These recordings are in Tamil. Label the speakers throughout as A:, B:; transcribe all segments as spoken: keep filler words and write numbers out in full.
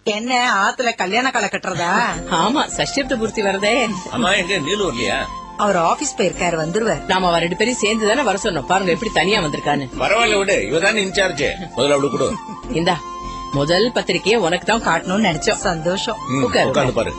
A: என்ன ஆத்துல கல்யாண கால கட்டுறதா?
B: ஆமா, சஷ்டிப்த பூர்த்தி வரதே.
C: அம்மா எங்க நீலூர் இல்லையா?
A: அவர் ஆபீஸ் போயிருக்காரு, வந்துருவார்.
B: நாம அவ ரெண்டு பேரும் சேர்ந்து தானே வர சொன்னோம். பாருங்க எப்படி தனியா வந்திருக்கான்னு.
C: பரவாயில்ல விடு, இவதானே இன்சார்ஜ். முதல்ல அவளு கொடு.
B: இந்தா முதல் பத்திரிக்கையை உனக்கு தான் காட்டணும்னு நினைச்சோம்.
A: சந்தோஷம்.
C: உட்கார்ந்து பாரு.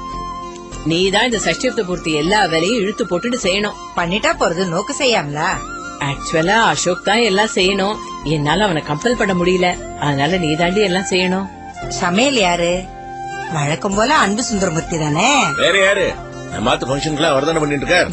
B: நீதான் இந்த சஷ்டிப்த பூர்த்தி எல்லா வேலையும் இழுத்து போட்டுட்டு செய்யணும்.
A: பண்ணிட்டா போறது, நோக்கு செய்யாமலா?
B: ஆக்சுவலா அசோக் தான் எல்லாம் செய்யணும். என்னால அவனை கம்பல் பண்ண முடியல. அதனால நீ தாண்டி எல்லாம் செய்யணும்.
A: சமையல் யாரு? வழக்கம் போல அன்பு சுந்தரமூர்த்தி தானே.
C: வேற யாரு? மாத்து பங்கனுக்கு அவர் தானே பண்ணிட்டு இருக்கார்.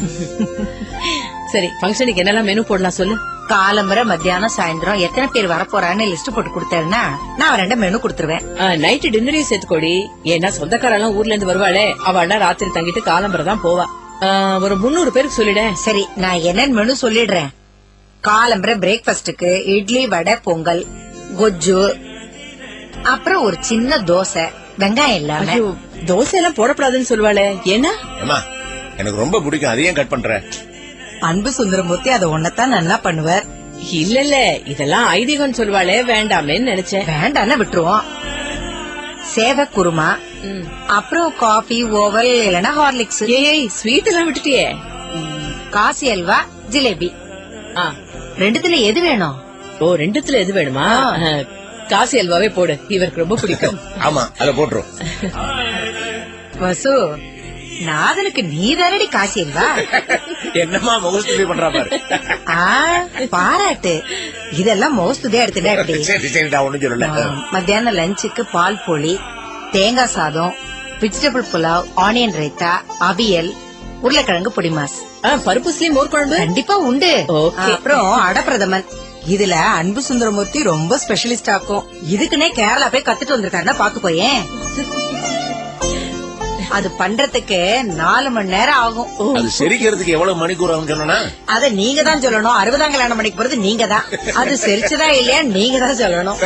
B: சரி, பங்கனுக்கு என்னெல்லாம் மெனு போடலாம் சொல்லு.
A: காலம்பரை மத்தியானம் சாயந்தரம் எத்தனை பேர் வரப்போறான்னு லிஸ்ட் போட்டு கொடுத்தேன்னா நான் ரெண்டு மெனு கொடுத்துருவேன்.
B: நைட்டு டின்னரையும் சேர்த்துக்கோடி. ஏன்னா சொந்தக்காரெல்லாம் ஊர்ல இருந்து வருவாளே, அவள்னா ராத்திரி தங்கிட்டு காலம்பரை தான் போவா. ஒரு முன்னூறு பேருக்கு சொல்லிட.
A: சரி, நான் என்னன்னு மெனு சொல்லிடுறேன். காலம்பரை பிரேக்பாஸ்டுக்கு இட்லி, வடை, பொங்கல், கொஜ்ஜு, அப்புறம் ஒரு சின்ன தோசை, வெங்காயம் இல்லாம.
B: தோசை எல்லாம் போடப்படாதுன்னு சொல்லுவாளே, ஏன்னா?
C: எனக்கு ரொம்ப பிடிக்கும், அதையும் கட் பண்ற.
A: அன்பு சுந்தரமூர்த்தி அதை ஒன்னதான் நல்லா பண்ணுவார்.
B: இல்ல இல்ல, இதெல்லாம் ஐதீகம் சொல்லுவாளே, வேண்டாமேன்னு நினைச்சேன்.
A: வேண்டான்னு விட்டுருவோம். சேவை குருமா, அப்புறம் காபி, ஓவல் இல்லனா ஹார்லிக்ஸ்.
B: ஏய், ஸ்வீட் எல்லாம் விட்டுட்டியே.
A: காசி அல்வா, ஜிலேபி. ரெண்டுத்துல எது வேணும்?
B: ஓ, ரெண்டுத்துல எது வேணுமா? காசி அல்வாவே போடு, இவருக்கு ரொம்ப பிடிக்கும்.
C: ஆமா, அத போட்டுரும்.
A: வசு, நாதனுக்கு நீ தானடி காசி அல்வா?
C: என்னமா முகஸ்துதி பண்றா பாரு.
A: பாராட்டு. இதெல்லாம் முகஸ்துதியா எடுத்துட்டா.
C: சரி சரிடா, ஒண்ணும் சொல்லல.
A: மத்தியானம் லஞ்சுக்கு பால் போலி, தேங்காய் சாதம், வெஜிடபிள் புலாவ், ஆனியன் ரைத்தா, அவியல், உருளைக்கிழங்கு பொடிமாஸ்.
B: பருப்புஸ்லயும் மோர் குழம்பு
A: கண்டிப்பா உண்டு. அப்புறம் அடப்பிரதமன். இதுல அன்பு சுந்தரமூர்த்தி ரொம்ப ஸ்பெஷலிஸ்ட் ஆக்கும். இதுக்குன்னே கேரளா போய் கத்துட்டு வந்திருக்காருன்னா பாத்துக்கோயேன். அது பண்றதுக்கு நாலு மணி நேரம் ஆகும்.
C: அது செரிக்கிறதுக்கு எவ்வளவு மணிக்கூர் ஆகும் சொன்னா?
A: அத நீங்க தான் சொல்லணும். அறுபதாம் கல்யாணம் மணிக்கு போறது நீங்க தான். அது செரிச்சுதா இல்லையா நீங்க தான் சொல்லணும்.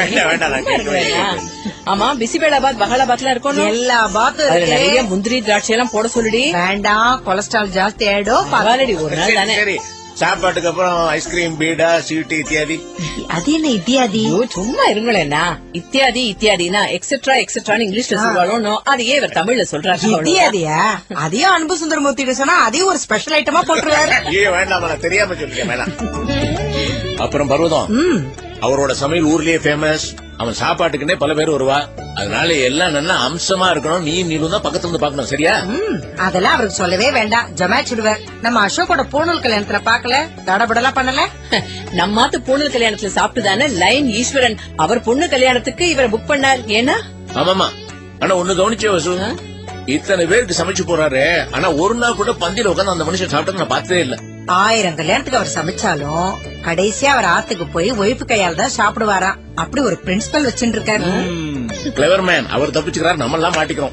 B: ஆமா, பிசிபேலாபாத், பஹாலாபாத்லாம் இருக்கும்.
A: எல்லா பாத்தும்
B: நிறைய முந்திரி திராட்சை எல்லாம் போட சொல்லுடி.
A: வேண்டாம், கொலஸ்ட்ரால் ஜாஸ்தி ஆயிடும்.
B: பரவாயில்லடி, ஒரு நாள் தானே.
C: சரி, சாப்பாட்டுக்கு அப்புறம் ஐஸ்கிரீம், பீடா, ஸ்வீட் இத்தியாதி.
A: அது என்ன இத்தியாதி?
B: சும்மா இருங்களேன்னா, இத்தியாதி இத்தியாதினா எக்ஸெட்ரா எக்ஸெட்ரான்னு இங்கிலீஷ்ல சொல்லுவாளோ, அதையே இவர் தமிழ்ல சொல்றாரு.
A: இத்தியாதியா? அதையும் அன்பு சுந்தரமூர்த்தி சொன்னா அதையும் ஒரு ஸ்பெஷல் ஐட்டமா போட்டுருவாரு.
C: ஏன் வேண்டாம், தெரியாம சொல்லிட்டேன். அப்புறம் பர்வதம், அவரோட சமையல் ஊர்லயே ஃபேமஸ். அவன் சாப்பாட்டுக்குன்னே பல பேர் வருவா. அதனால எல்லாம் நல்லா அம்சமா இருக்கணும். நீ நீளும் தான் பக்கத்துல இருந்து பாக்கணும், சரியா?
A: அதெல்லாம் அவருக்கு சொல்லவே வேண்டாம், ஜமாச்சிடுவார். நம்ம அசோக்கோட பூணூல் கல்யாணத்துல பாக்கல, தடபடலாம் பண்ணல.
B: நம்மாத்து பூணூல் கல்யாணத்துல சாப்பிட்டுதானே லைன் ஈஸ்வரன் அவர் பொண்ணு கல்யாணத்துக்கு இவரை புக் பண்ணார். ஏன்னா?
C: ஆமாமா. ஆனா ஒண்ணு கவனிச்சே வசூ, இத்தனை பேருக்கு சமைச்சு போறாரு. ஆனா ஒரு நாள் கூட பந்தியில உட்காந்து அந்த மனுஷன் சாப்பிட்டது நான் பார்த்ததே இல்ல.
A: ஆயிரம் கல்யாணத்துக்கு அவர் சமைச்சாலும் கடைசியா அவர் ஆத்துக்கு போய் ஒய்ஃபு கையால் தான் சாப்பிடுவாராம். அப்படி ஒரு பிரின்சிபல் வச்சுட்டு இருக்காரு.
C: Clever man. அவர் தப்பிச்சுக்கிறார், நம்ம எல்லாம் மாட்டிக்கிறோம்.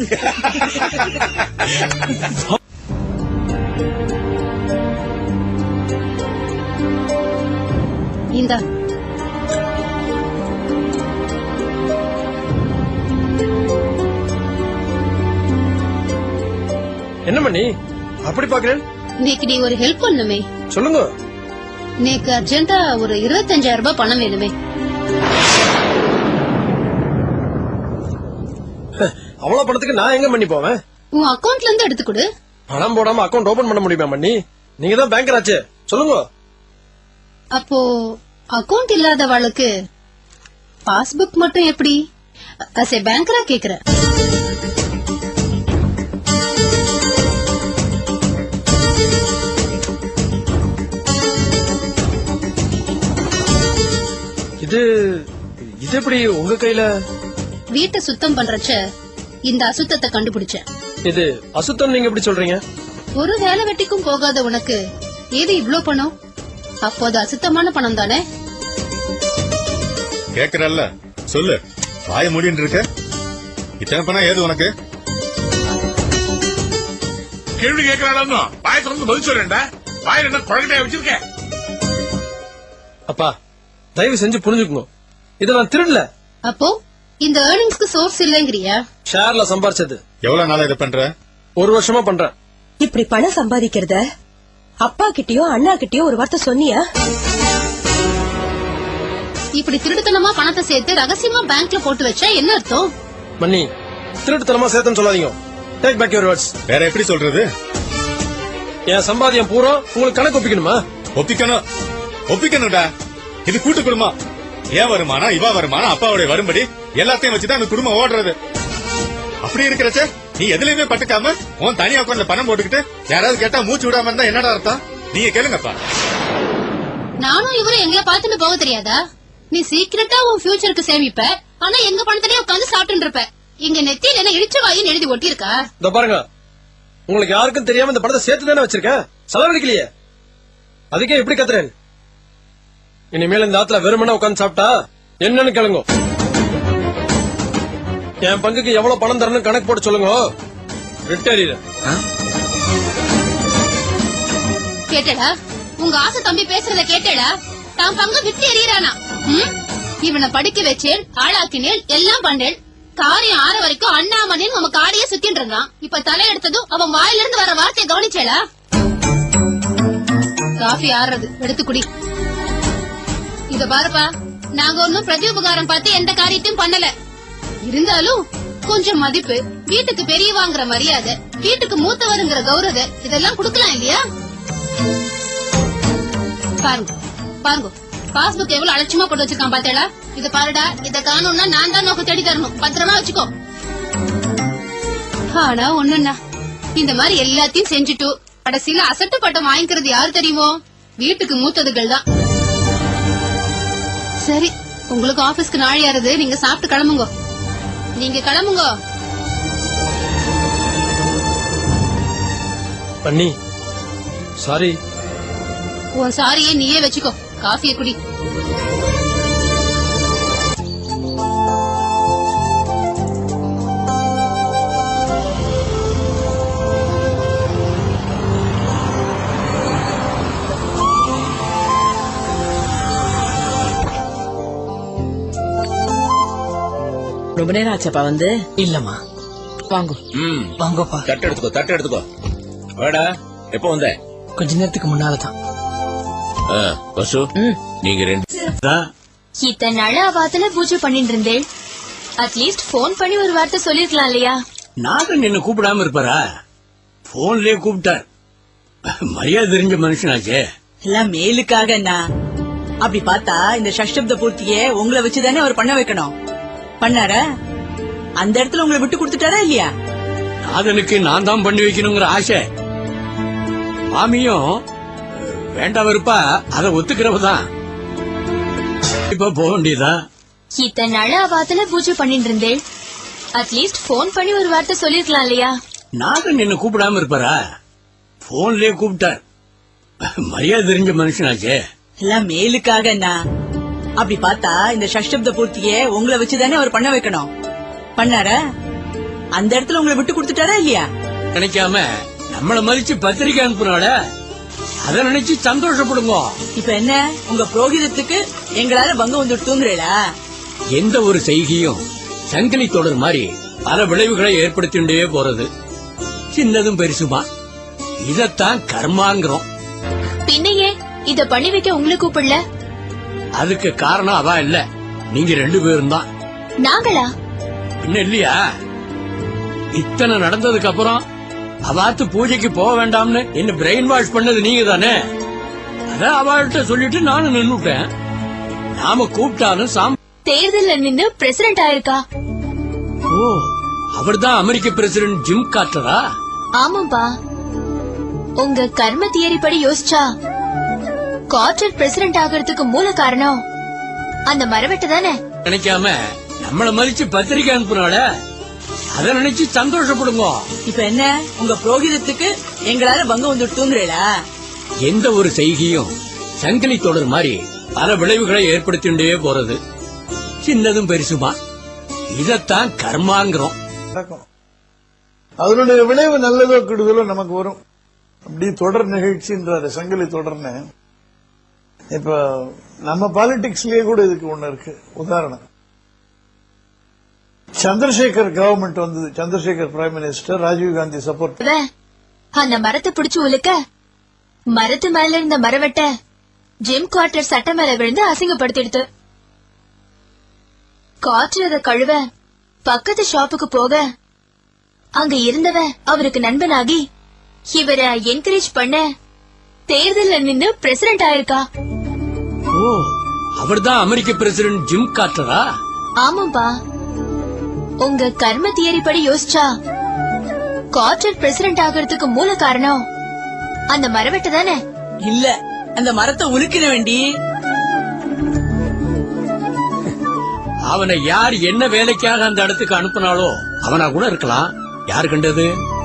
D: இந்த
E: என்ன பண்ணி அப்படி பாக்குறேன்?
D: நேக்கு நீ ஒரு ஹெல்ப் பண்ணுமே.
E: சொல்லுங்க.
D: நேக்கு அர்ஜென்டா ஒரு இருபத்தஞ்சாயிரம் ரூபாய் பணம் வேணுமே.
E: அவ்வளவு பணத்துக்கு நான் எங்க பண்ணி போவேன்?
D: உன் அக்கவுண்ட்ல இருந்து எடுத்து கொடு.
E: பணம் போடாம அக்கவுண்ட் ஓபன் பண்ண முடியுமா மண்ணி? நீங்க தான் பேங்கர் ஆச்சு, சொல்லுங்க.
D: அப்போ அக்கவுண்ட் இல்லாதவளுக்கு பாஸ்புக் மட்டும் எப்படி? அசே பேங்கரா கேக்குற.
E: இது இது எப்படி உங்க கையில?
D: வீட்டை சுத்தம் பண்றச்ச இந்த அசுத்தத்தை கண்டுபிடிச்சேன்.
E: இது அசுத்தம் நீங்க எப்படி சொல்றீங்க?
D: ஒரு வேலை வெட்டிக்கும் போகாத உனக்கு ஏது இவ்ளோ பணம்? அப்போது அசுத்தமான பணம் தானே?
F: கேக்குறல்ல, சொல்லு. வாய மூடின்னு இருக்க. இத்தனை பணம் ஏது உனக்கு?
G: கேள்வி கேட்கிறாள், வாய திறந்து பதில் சொல்றேன்டா. வாயில என்ன குழந்தைய வச்சிருக்கேன்?
E: அப்பா, தயவு செஞ்சு புரிஞ்சுக்கோங்க, இத நான் திருடல.
D: அப்போ இந்த ஏர்னிங்ஸ்க்கு சோர்ஸ் இல்லங்கறியா?
E: ஷேர்ல சம்பாரிச்சது.
F: எவ்வளவு நாளா இத பண்ற?
E: ஒரு வருஷமா பண்றேன்.
H: இப்படி பணம் சம்பாதிக்கிறத அப்பா கிட்டயோ அண்ணா கிட்டயோ ஒரு வார்த்தை சொன்னியா?
D: இப்படி திருடுத்தனமா பணத்தை சேர்த்து ரகசியமா பேங்க்ல போட்டு வச்சா என்ன அர்த்தம்?
E: மன்னி, திருட்டுத்தனமா சேர்த்துன்னு சொல்லாதீங்க. Take back your words.
F: வேற எப்படி சொல்றது?
E: என் சம்பாதியம் பூரா உங்களுக்கு கணக்கு ஒப்பிக்கணுமா?
F: ஒப்பிக்கணும் ஒப்பிக்கணும்டா. இது கூட்டு குடும்பம். ஏன் வருமானம், இவா வருமானம், அப்பாவுடைய வரும்படி எல்லாத்தையும் வச்சுதான் அந்த குடும்பம் ஓடுறது. அப்படி இருக்கிறச்ச நீ எதுலயுமே பட்டுக்காம உன் தனி அக்கௌண்ட்ல பணம் போட்டுக்கிட்டு யாராவது கேட்டா மூச்சு விடாம இருந்தா என்னடா அர்த்தம்? நீங்க கேளுங்கப்பா.
D: நானும் இவரும் எங்களை பார்த்துட்டு போக தெரியாதா? நீ சீக்கிரட்டா உன் ஃபியூச்சருக்கு சேமிப்ப, ஆனா எங்க பணத்திலே உட்காந்து சாப்பிட்டு இருப்ப. இங்க நெத்தியில என்ன இடிச்ச வாயின்னு எழுதி ஒட்டி இருக்கா?
E: இதோ பாருங்க, உங்களுக்கு யாருக்கும் தெரியாம இந்த படத்தை சேர்த்து தானே வச்சிருக்கேன், செலவழிக்கலையே. அதுக்கே எப்படி கத்துறேன்? இனிமேல் இந்த ஆத்துல வெறுமனே உட்காந்து சாப்பிட்டா என்னன்னு கேளுங்க. என் பங்குக்கு எவ்வளவு பணம் தரணும் கணக்கு போட்டு சொல்லுங்க. ரிட்டேரியர்
D: கேட்டடா? உங்க ஆசை தம்பி பேசுறத கேட்டடா? தான் பங்கு விட்டு எறியறானா? இவனை படிக்க வச்சேன், ஆளாக்கினேன், எல்லாம் பண்ணேன். காரியம் ஆற வரைக்கும் அண்ணாமணின்னு நம்ம காடியே சுத்தின்னு இருந்தான். இப்ப தலை எடுத்ததும் அவன் வாயில இருந்து வர வார்த்தையை கவனிச்சேடா? காஃபி ஆறுறது, எடுத்து குடி. இத பாருப்பா, நாங்க ஒன்னும் பிரதி உபகாரம் பார்த்து எந்த காரியத்தையும் பண்ணல. இருந்தாலும் கொஞ்சம் மதிப்பு, வீட்டுக்கு பெரியவாங்கிற மரியாதை, வீட்டுக்கு மூத்தவருங்கிற கௌரவ இதெல்லாம் குடுக்கலாம் இல்லையா? பாருங்க பாருங்க, பாஸ்புக் எவ்வளவு அலட்சியமா போட்டு வச்சிருக்கான் பாத்தேடா? இத பாருடா, இத காணும்னா நான் தான் நோக்க தேடி தரணும். பத்திரமா வச்சுக்கோ. ஆனா ஒண்ணுன்னா, இந்த மாதிரி எல்லாத்தையும் செஞ்சுட்டு கடைசியில அசட்டு பட்டம் வாங்கிக்கிறது யாரு தெரியுமோ? வீட்டுக்கு மூத்ததுகள் தான். சரி, உங்களுக்கு ஆபீஸ்க்கு நாழியாருது, நீங்க சாப்பிட்டு கிளம்புங்க. நீங்க கிளம்புங்க.
E: பண்ணி சாரி.
D: உன் சாரியே நீயே வச்சுக்கோ. காஃபியை குடி.
B: ரொம்ப நேரம் ஆச்சப்பா வந்து?
I: இல்லம்மா.
B: வாங்க
C: ம்
I: வாங்கப்பா.
C: தட்டு எடுத்துக்கோ தட்டு எடுத்துக்கோ. வாடா, எப்ப வந்த?
I: கொஞ்ச நேரத்துக்கு முன்னாலதான்.
C: ஆ, வசு, நீங்க ரெண்டு
J: இத்தனை நாள் அவாத்துல பூஜை பண்ணிட்டு இருந்தேன். அட்லீஸ்ட் போன் பண்ணி ஒரு வார்த்தை சொல்லிருக்கலாம் இல்லையா?
I: நானும் நின்னு கூப்பிடாம இருப்பாரா? போன்லயே கூப்பிட்டார். மரியாதை தெரிஞ்ச மனுஷனாச்சே.
K: எல்லாம் மேலுக்காக என்ன? அப்படி பார்த்தா இந்த சஷ்டப்த பூர்த்தியே உங்களை வச்சுதானே அவர் பண்ண வைக்கணும். பண்ணாரா? அந்த இடத்துல உங்களை விட்டு கொடுத்துட்டாரா இல்லையா?
I: நாதனுக்கு நான் தான் பண்ணி வைக்கணுங்கிற ஆசை. மாமியும் வேண்டாம் இருப்பா, அதை ஒத்துக்கிறவதான். இப்ப போக வேண்டியதா?
J: இத்தனை நாள் அவாத்துல பூஜை பண்ணிட்டு இருந்தேன். அட்லீஸ்ட் போன் பண்ணி ஒரு வார்த்தை சொல்லிருக்கலாம் இல்லையா?
I: நானும் நின்னு கூப்பிடாம இருப்பாரா? போன்லயே கூப்பிட்டார். மரியாதை தெரிஞ்ச மனுஷனாச்சே.
K: எல்லாம் மேலுக்காக என்ன? அப்படி பார்த்தா இந்த சஷ்டப்த பூர்த்தியே உங்களை வச்சுதானே அவர் பண்ண வைக்கணும். பண்ணாரா? அந்த இடத்துல உங்களை விட்டு கொடுத்துட்டாரா இல்லையா?
I: நினைக்காம நம்மள மதிச்சு பத்திரிக்கை அனுப்புனால அத நினைச்சு சந்தோஷப்படுங்க.
K: இப்ப என்ன, உங்க புரோகிதத்துக்கு எங்களால பங்கம் வந்துட்டூங்கிறீங்களா?
I: எந்த ஒரு செய்கையும் சங்கிலி தொடர் மாதிரி பல விளைவுகளை ஏற்படுத்திண்டே போறது. சின்னதும் பெருசுமா, இதத்தான் கர்மாங்கிறோம்.
J: பின்னையே இத பண்ணி வைக்க உங்களை கூப்பிடல?
I: அதுக்கு காரணம் அவ இல்ல, நீங்க ரெண்டு பேரும் தான்.
J: நாங்களா?
I: பின்ன இல்லையா? இத்தனை நடந்ததுக்கு அப்புறம் அவாத்து பூஜைக்கு போக வேண்டாம்னு என்ன பிரெயின் வாஷ் பண்ணது நீங்க தானே. அதான் அவள்கிட்ட சொல்லிட்டு நானும் நின்னுட்டேன். நாம கூப்பிட்டாலும் சாம்
J: தேர்தல்ல நின்னு பிரசிடென்ட் ஆயிருக்கா?
I: ஓ, அவர்தான் அமெரிக்க பிரசிடென்ட் ஜிம் கார்ட்டரா?
J: ஆமாப்பா. உங்க கர்ம தியரி படி யோசிச்சா கார்ட்டர் பிரசிடென்ட் ஆகிறதுக்கு மூல காரணம் அந்த மரவெட்டு தானே.
I: நினைக்காம நம்மள மதிச்சு பத்திரிக்கை அனுப்புனால அத நினைச்சு சந்தோஷப்படுங்க.
K: இப்ப என்ன, உங்க புரோகிதத்துக்கு எங்களால பங்கம் வந்துட்டூங்கிறீங்களா?
I: எந்த ஒரு செய்கையும் சங்கிலி தொடர் மாதிரி பல விளைவுகளை ஏற்படுத்திண்டே போறது. சின்னதும் பெருசுமா, இதத்தான் கர்மாங்கிறோம்.
L: அதனுடைய விளைவு நல்லதோ கெடுதலோ நமக்கு வரும். அப்படி தொடர் நிகழ்ச்சின்றாரு, சங்கிலி தொடர்னு. இப்ப நம்ம பாலிடிக்ஸ்லயே கூட இதுக்கு ஒண்ணு இருக்கு. உதாரணம், சந்திரசேகர் கவர்மெண்ட் வந்தது. Chandrasekhar prime minister, Rajiv Gandhi support.
J: அந்த மரத்தை பிடிச்சு உலுக்க மரத்து மேல இருந்த மரவெட்ட ஜிம் குவார்டர் சட்ட மேல விழுந்து அசிங்கப்படுத்திடுத்து. குவார்டர் அதை கழுவ பக்கத்து ஷாப்புக்கு போக அங்க இருந்தவ அவருக்கு நண்பனாகி இவரை என்கரேஜ் பண்ண தேர்தல்ல நின்னு பிரசிடென்ட் ஆயிருக்கா.
I: ஓ, அவர்தான் அமெரிக்க பிரசிடென்ட் ஜிம் கார்ட்டரா?
J: ஆமாப்பா. உங்க கர்ம தியரி படி யோசிச்சா கார்ட்டர் பிரசிடென்ட் ஆகிறதுக்கு மூல காரணம் அந்த மரவெட்டு தானே?
K: இல்ல, அந்த மரத்தை உலுக்கின வேண்டி.
I: அவனை யார் என்ன வேலைக்காக அந்த இடத்துக்கு அனுப்புனாலோ அவனா கூட இருக்கலாம். யாரு கண்டது?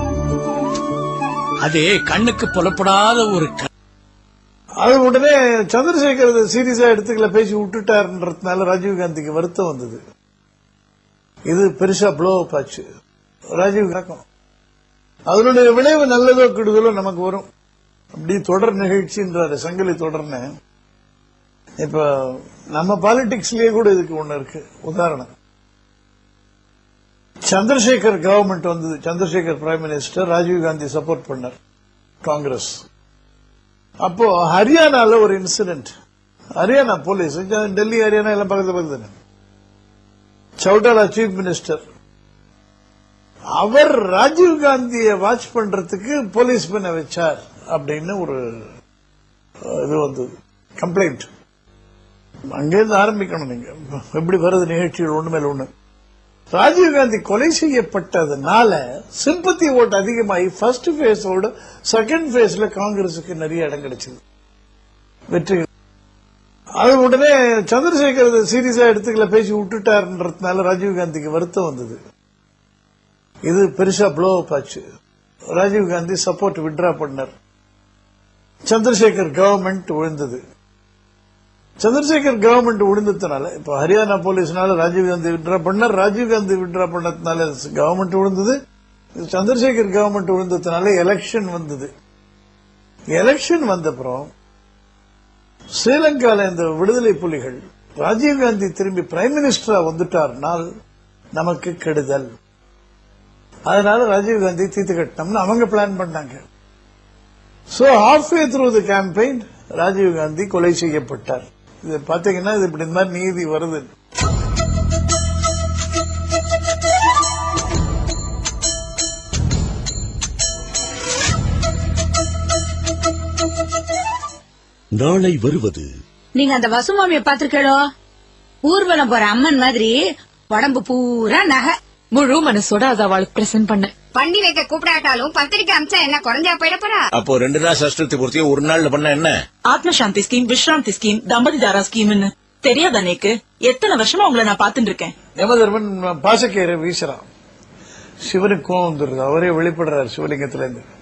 I: அது கண்ணுக்கு புலப்படாத ஒரு க-
L: அது உடனே சந்திரசேகர் சீரியஸா எடுத்துக்கல, பேசி விட்டுட்டாருன்றதுனால ராஜீவ்காந்திக்கு வருத்தம் வந்தது. இது பெருசா ப்ளோ அப் ஆச்சு. ராஜீவ் காக்கும் அதனுடைய விளைவு நல்லதோ கெடுதலோ நமக்கு வரும். அப்படி தொடர் நிகழ்ச்சின்றாரு, சங்கிலி தொடர்னு. இப்ப நம்ம பாலிடிக்ஸ்லயே கூட இதுக்கு ஒண்ணு இருக்கு. உதாரணம், சந்திரசேகர் கவர்மெண்ட் வந்தது. Chandrasekhar prime minister, Rajiv Gandhi support பண்ணார் காங்கிரஸ். அப்போ ஹரியானால ஒரு இன்சிடென்ட். ஹரியானா போலீஸ், டெல்லி ஹரியானா எல்லாம் பக்கத்து பக்கத்து. சௌட்டாலா சீஃப் மினிஸ்டர், அவர் ராஜீவ்காந்தியை வாட்ச் பண்றதுக்கு போலீஸ் பண்ண வச்சார் அப்படின்னு ஒரு இது வந்தது, கம்ப்ளைண்ட். அங்கிருந்து ஆரம்பிக்கணும். நீங்க எப்படி வருது நிகழ்ச்சிகள் ஒண்ணு மேல ஒண்ணு. ராஜீவ்காந்தி கொலை செய்யப்பட்டதுனால சிம்பத்தி ஓட்டு அதிகமாகி ஃபர்ஸ்ட் பேஸோட செகண்ட் பேஸ்ல காங்கிரசுக்கு நிறைய இடம் கிடைச்சது, வெற்றி. அது உடனே சந்திரசேகர் சீரியஸா எடுத்துக்கல, பேசி விட்டுட்டாருன்றதுனால ராஜீவ்காந்திக்கு வருத்தம் வந்தது. இது பெருசா ப்ளோ அப் ஆச்சு. ராஜீவ்காந்தி சப்போர்ட் வித்ட்ரா பண்ணார். சந்திரசேகர் கவர்மெண்ட் விழுந்தது. சந்திரசேகர் கவர்மெண்ட் விழுந்ததுனால இப்ப ஹரியானா போலீஸ்னால ராஜீவ்காந்தி வித்ட்ரா பண்ணார். ராஜீவ்காந்தி வித்ட்ரா பண்ணதுனால கவர்மெண்ட் விழுந்தது. சந்திரசேகர் கவர்மெண்ட் விழுந்ததுனால எலெக்ஷன் வந்தது. எலெக்ஷன் வந்தப்புறம் ஸ்ரீலங்கால இந்த விடுதலை புலிகள் ராஜீவ்காந்தி திரும்பி பிரைம் மினிஸ்டரா வந்துட்டார்னால் நமக்கு கெடுதல். அதனால ராஜீவ்காந்தி தீர்த்து கட்டணும்னு அவங்க பிளான் பண்ணாங்க. So halfway through the campaign Rajiv Gandhi கொலை செய்யப்பட்டார். இது பாத்தீங்கன்னா இது இப்படி இந்த மாதிரி நீதி வருது.
M: நாளை வருவது.
H: நீங்க அந்த வசுமாமிய பாத்திருக்கோ? ஊர்வலம் போற அம்மன் மாதிரி உடம்பு பூரா நகை.
N: முழு மனசோட அத அவளுக்கு பிரசன்ட் பண்ண.
A: பண்ணி வைக்க கூப்பிடாட்டாலும் பத்திரிக்கை அமிச்சா என்ன குறைஞ்சா போயிட போறா?
C: அப்போ ரெண்டு நாள் சஷ்டத்தை பூர்த்தியை ஒரு நாள்ல பண்ண என்ன?
K: ஆத்ம சாந்தி ஸ்கீம், விஸ்ராந்தி ஸ்கீம், தம்பதிதாரா ஸ்கீம்னு தெரியாத அன்னைக்கு எத்தனை வருஷமா உங்களை நான் பாத்துட்டு இருக்கேன்.
L: யமதர்மன் பாசக்கேரை வீசுறான். சிவனுக்கு கோவம் வந்துருது. அவரே வெளிப்படுறாரு சிவலிங்கத்துல இருந்து.